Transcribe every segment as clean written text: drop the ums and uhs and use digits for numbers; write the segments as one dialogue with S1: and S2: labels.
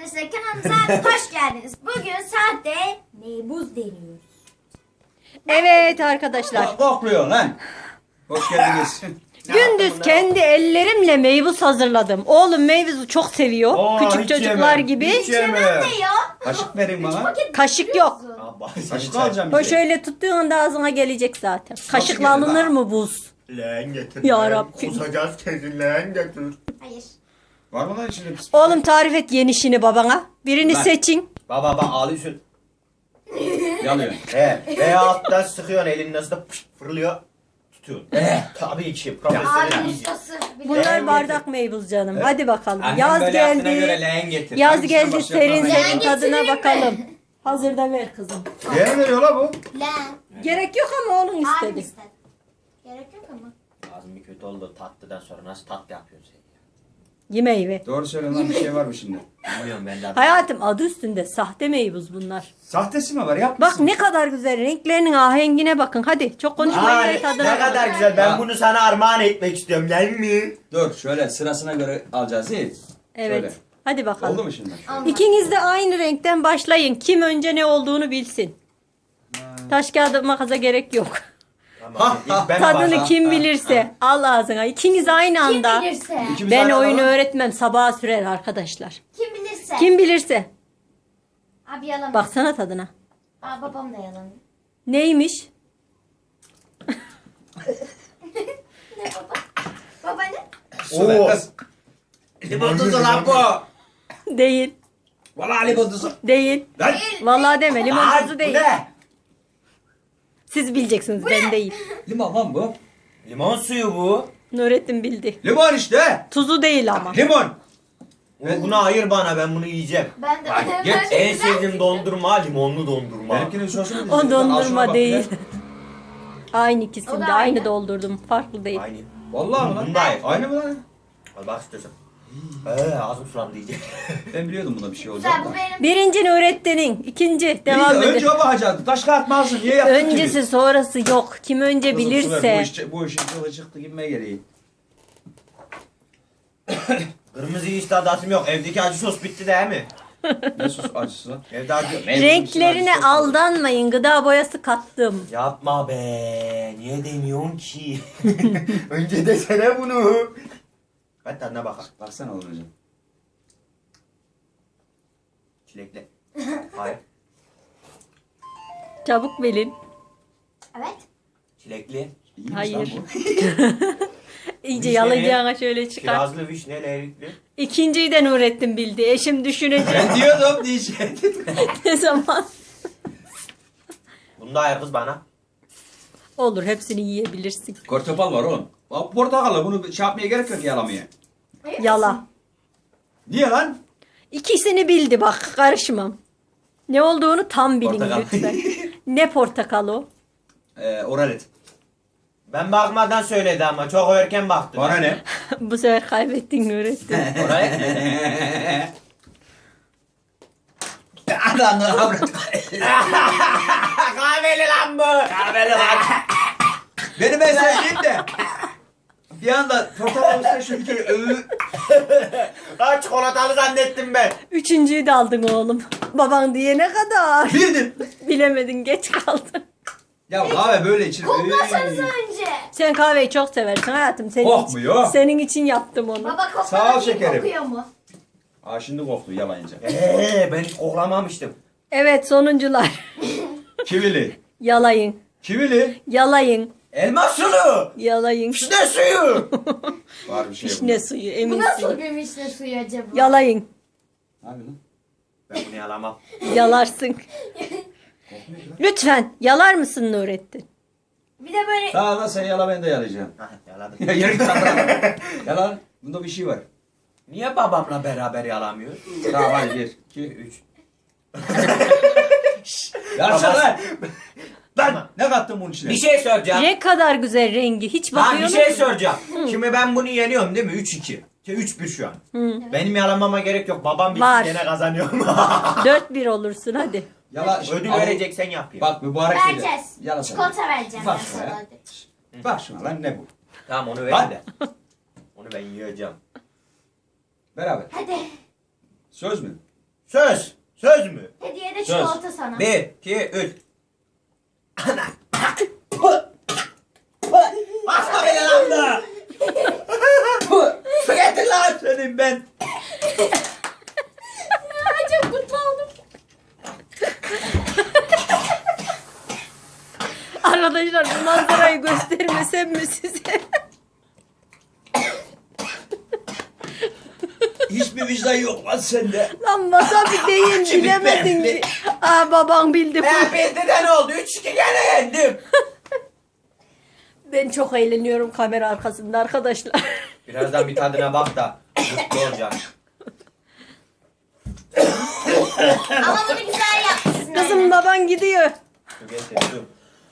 S1: arkadaşlar, kanalımıza hoş geldiniz. Bugün sahte meybuz deniyoruz.
S2: Evet arkadaşlar.
S3: Kokluyor lan. Hoş geldiniz.
S2: Gündüz kendi ellerimle meybuz hazırladım. Oğlum meyvuzu çok seviyor.
S3: Aa,
S2: Küçük
S3: hiç
S2: çocuklar
S3: yemem.
S2: gibi.
S3: Hiç yemem.
S1: Ne ya?
S3: Kaşık verin bana.
S1: Paket
S2: Kaşık yok.
S1: biliyorsun.
S3: Kaşık alacağım
S2: O
S3: bize.
S2: şöyle tuttuğun anda ağzına gelecek zaten. Kaşıkla
S3: gelir
S2: alınır
S3: lan?
S2: mı buz?
S4: Leğen getir.
S2: Ya
S4: leğen.
S2: Rabbim.
S4: Kusacağız kesin leğen getir.
S1: Hayır.
S3: Var mı lan içinde pis?
S2: Oğlum tarif et yenişini babana. Birini
S3: Ben.
S2: seçin.
S4: Baba bak ağlıyorsun.
S3: Yalıyor.
S4: Veya alttan sıkıyorsun elini nasıl da pışt fırlıyor. Tutuyorsun. Tabii ki. Profesyonel
S1: Abi
S4: iyice.
S1: ustası.
S2: Bunlar
S4: Leğen
S2: bardak meybuz canım. Hadi bakalım.
S3: Annem
S2: Yaz
S3: böyle yaptığına göre
S2: geldi.
S3: leğen getir.
S2: Yaz
S3: Hangisine
S2: geldi
S3: başlayalım
S2: serin
S3: lan?
S2: serin
S1: Leğen
S2: tadına
S1: getireyim mi?
S2: bakalım. Hazırda ver kızım.
S3: Leğen veriyor la bu.
S1: Lan.
S2: Gerek yok ama oğlum
S1: Abim
S2: istedi.
S1: istedi. Gerek yok ama.
S4: Ağzım bir kötü oldu tatlıdan sonra nasıl tatlı yapıyorsun sen ya?
S2: Ye meyve.
S3: Doğru söyle lan, bir şey var mı şimdi?
S4: Bilmiyorum ben de.
S2: Hayatım adı üstünde sahte meybuz bunlar.
S3: Sahtesi mi var? Yap.
S2: Bak ne kadar güzel renklerinin ahengine bakın. Hadi çok konuşmayın
S4: Aa,
S2: ve
S4: ne
S2: tadına
S4: kadar
S2: bakın.
S4: güzel. Ben
S3: Ha.
S4: bunu sana armağan etmek istiyorum. Gel mi?
S3: Dur şöyle sırasına göre alacağız değil.
S2: Evet.
S3: Şöyle.
S2: Hadi bakalım.
S3: Oldu mu şimdi?
S2: İkiniz de aynı renkten başlayın. Kim önce ne olduğunu bilsin. Taş kağıt makasa gerek yok.
S4: Tamam. İlk ben
S2: Tadını
S4: başlayayım.
S2: kim bilirse al ağzına. İkiniz aynı
S1: Kim
S2: anda.
S1: bilirse.
S3: İkimiz
S2: Ben
S3: aynı
S2: oyunu
S3: adamı-
S2: öğretmem. Sabaha sürer arkadaşlar.
S1: Kim bilirse.
S2: Kim bilirse.
S1: Abi yalan.
S2: Baksana tadına.
S1: Aa, babam da yalan.
S2: Neymiş?
S1: Ne baba? Baba ne?
S3: Su ver
S4: Oo.
S3: kız. Limon tuzu lan bu.
S2: Değil.
S3: Valla limon tuzu.
S2: Değil.
S3: Lan.
S2: Vallahi deme. Limon
S4: Ay,
S2: tuzu
S4: bu
S2: değil.
S4: ne?
S2: Siz bileceksiniz. Ben değil.
S3: Limon lan bu.
S4: Limon suyu bu.
S2: Nurettin bildi.
S3: Limon işte.
S2: Tuzu değil ama.
S3: Limon.
S4: Bunu ayır bana ben bunu yiyeceğim.
S1: Ben de.
S3: Hadi, geç.
S4: En sevdiğim dondurma limonlu dondurma.
S3: Benimkinin sosu mu?
S2: O dondurma değil.
S3: Bak,
S2: Aynı
S1: O
S2: ikisinde.
S1: da
S2: Aynı
S1: aynı.
S2: doldurdum. Farklı değil.
S4: Aynı.
S3: Vallahi mi lan?
S4: Bunu da ayır.
S3: Aynı mı lan?
S4: Al bak istiyorsan. Ağzım sulandı iyice.
S3: Ben biliyordum buna bir şey olacak.
S1: Güzel, bu benim.
S2: Birinci Nurettin'in. İkinci. Devam edin.
S3: Önce o bakacaktı. Taş kağıt mağazı niye yaptın ki?
S2: Öncesi sonrası yok. Kim önce
S3: Kızım, su ver,
S2: bilirse.
S3: Bu işin kılı çıktı gibime geliyor.
S4: Kırmızı hiç tadım yok. Evdeki acı sos bitti değil mi?
S3: Ne sos acısı lan?
S4: Evde acı.
S2: Renklerine
S3: Acı sos.
S2: aldanmayın. Gıda boyası kattım.
S4: Yapma be. Niye demiyorsun ki? Önce desene bunu. Ben tadına bakalım.
S3: Baksana oğlum hocam.
S4: Çilekli. Hayır.
S2: Çabuk bilin.
S1: Evet.
S4: Çilekli.
S3: İyiymiş
S2: Hayır.
S3: lan bu.
S2: İyice
S4: Vişneli,
S2: yalayacağına şöyle çıkar.
S4: Kirazlı, vişneli, erikli.
S2: İkinciyi de Nurettin bildi. Eşim düşünecek.
S3: Ben diyordum diyecektim.
S2: Ne zaman?
S4: Bunu da ayır kız bana.
S2: Olur hepsini yiyebilirsin.
S3: Portakal var oğlum. Bak portakalı bunu şey yapmaya gerek yok yalamaya.
S2: Yala.
S3: Niye lan?
S2: İkisini bildi bak karışmam. Ne olduğunu tam bilin
S4: Portakal.
S2: lütfen. Ne portakal o?
S3: Oralet.
S4: Ben bakmadan söyledi ama çok erken baktı.
S3: Bana ne?
S2: Bu sefer kaybettin Nurettin.
S4: Oraya
S3: Adamlar avrat.
S4: kahveli lan bu. Kahveli lan.
S3: Benim en sevdiğim de. Bir anda portakal üstüne şöyle bir kere
S4: Lan çikolatalı zannettim ben.
S2: Üçüncüyü de aldın oğlum. Baban diyene kadar.
S3: Bildim.
S2: Bilemedin geç kaldın.
S3: Ya kahve böyle içilir.
S1: Koklasanıza önce.
S2: Sen kahveyi çok seversin hayatım.
S3: Kokmuyor.
S2: Senin için yaptım onu.
S1: Baba kokla
S3: Sağ ol
S1: bakayım,
S3: şekerim.
S1: kokuyor mu?
S3: Aa şimdi koktu yalayınca.
S4: Ben hiç koklamamıştım.
S2: Evet sonuncular.
S3: Kivili.
S2: Yalayın.
S3: Kivili.
S2: Yalayın.
S4: Elma suyu.
S2: Yalayın.
S4: Ne suyu?
S3: Var bir şey
S2: Vişne suyu
S1: Bu
S2: eminsin.
S1: nasıl bir vişne suyu acaba?
S2: Yalayın.
S3: Abi lan.
S4: Ben bunu yalamam.
S2: Yalarsın. Lütfen yalar mısın Nurettin?
S1: Bir de böyle
S3: Sağ ol sen yala ben de yalayacağım.
S4: Hah, yaladım.
S3: Ya yürü git lan. Yala. Bunda bir şey var.
S4: Niye babamla beraber yalamıyor?
S3: Tamam hadi 1, 2,
S4: 3.
S3: Yarışa
S4: Baba-
S3: lan.
S4: Tamam.
S3: Lan ne kattın bunun içine?
S4: Bir şey soracağım.
S2: Ne kadar güzel rengi. Hiç
S4: Ha
S2: bakıyor
S4: bir şey
S2: musun?
S4: soracağım. Şimdi ben bunu yeniyorum değil mi? 3-2. 3-1 şu an. Benim yalamama gerek yok. Babam bilsin
S2: Var.
S4: gene kazanıyorum.
S2: 4-1 olursun hadi.
S3: Yala.
S4: Ödül
S3: Al.
S4: vereceksen yapayım.
S3: Bak mübarek dedi.
S1: vereceğiz.
S3: Yala sana.
S1: Çikolata vereceğim
S3: Bak
S1: ben
S3: şuna
S1: sana.
S3: ya. Bak şuna lan ne bu?
S4: Tamam onu
S3: Lan.
S4: verin de. Onu ben yiyeceğim.
S3: Beraber.
S1: Hadi.
S3: Söz mü?
S4: Söz. Söz mü?
S1: Hediye de
S4: Söz.
S1: çikolata sana.
S4: 1, 2, 3. Basta beni lan da. Su getir lan.
S3: Senin ben.
S1: Ay, çok mutlu oldum.
S2: Arkadaşlar bu manzarayı göstermesem mi size?
S3: Hiçbir vicdan yok lan sende.
S2: Lan wasabi deyin
S3: Şimdi
S2: bilemedin
S3: ben-
S2: ki. Aa babam bildi.
S4: Bildi de ne oldu? 3-2 gene yendim.
S2: Ben çok eğleniyorum kamera arkasında arkadaşlar.
S4: Birazdan bir tadına bak da mutlu olacaksın.
S1: Ama bunu güzel yapmışsın.
S2: Kızım baban gidiyor.
S4: Su getir su.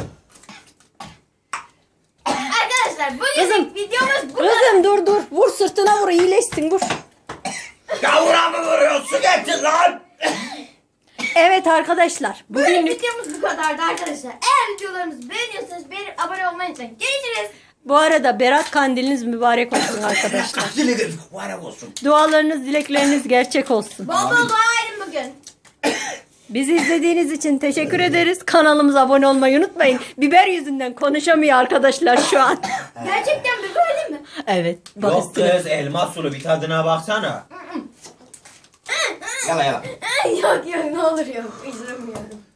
S1: Arkadaşlar bugün
S2: Kızım.
S1: videomuz bu kadar.
S2: Kızım dur. Vur sırtına vur iyileşsin vur.
S4: Gavura mı vuruyorsun? Su getir lan.
S2: Evet arkadaşlar.
S1: Bugün
S2: Bugünlük
S1: videomuz bu kadardı arkadaşlar. Eğer videolarımızı beğeniyorsanız beğenip abone olmayı unutmayın. Görüşürüz.
S2: bu arada Berat kandiliniz mübarek olsun arkadaşlar.
S3: Dili var olsun.
S2: Dualarınız, dilekleriniz gerçek olsun.
S1: Bol bol dua edin bugün.
S2: Bizi izlediğiniz için teşekkür ederiz. Kanalımıza abone olmayı unutmayın. Biber yüzünden konuşamıyor arkadaşlar şu an.
S1: Gerçekten bir böyle mi?
S2: Evet. Bak
S4: Yok
S2: üstüne.
S4: kız elma sulu bir tadına baksana. Yala yala.
S1: Yok yok ne olur yok. İzlemiyorum.